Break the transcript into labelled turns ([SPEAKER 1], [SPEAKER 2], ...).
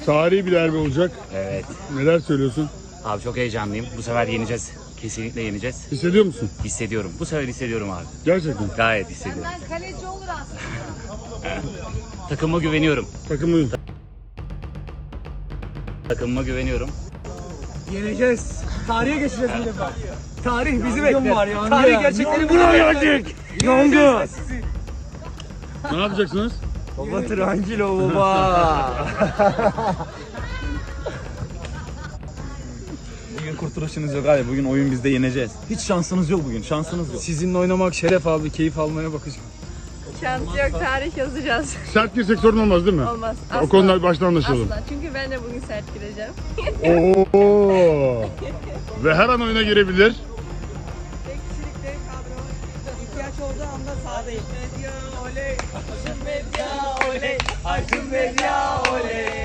[SPEAKER 1] Tarihi bir derbi olacak.
[SPEAKER 2] Evet.
[SPEAKER 1] Neler söylüyorsun?
[SPEAKER 2] Abi çok heyecanlıyım. Bu sefer yeneceğiz. Kesinlikle yeneceğiz.
[SPEAKER 1] Hissediyor musun?
[SPEAKER 2] Hissediyorum. Bu sefer hissediyorum abi.
[SPEAKER 1] Gerçekten.
[SPEAKER 2] Gayet hissediyorum.
[SPEAKER 3] Benden kaleci olur aslında.
[SPEAKER 2] Takımıma güveniyorum.
[SPEAKER 1] Takımı
[SPEAKER 2] Takımıma güveniyorum.
[SPEAKER 4] Yeneceğiz. Tarihe geçeceğiz bir defa. Tarih bizi bekler. Tarih gerçekleri buna gelecek. Yongu.
[SPEAKER 1] ne yapacaksınız?
[SPEAKER 4] Baba tranquilo baba.
[SPEAKER 5] Bugün kurtuluşunuz yok abi. Bugün oyun bizde, yeneceğiz. Hiç şansınız yok bugün. Şansınız yok.
[SPEAKER 4] Sizinle oynamak şeref abi. Keyif almaya bakacağım.
[SPEAKER 3] Şans yok, tarih yazacağız.
[SPEAKER 1] Sert girsek sorun olmaz değil mi?
[SPEAKER 3] Olmaz.
[SPEAKER 1] O konuda baştan anlaşalım.
[SPEAKER 3] Asla. Çünkü ben de bugün sert gireceğim.
[SPEAKER 1] Oo. Ve her an oyuna girebilir.
[SPEAKER 6] Tek kişilikte kadro ihtiyaç olduğu anda sahadayım. Medya oley, Aydın Medya oley, Aydın Medya oley.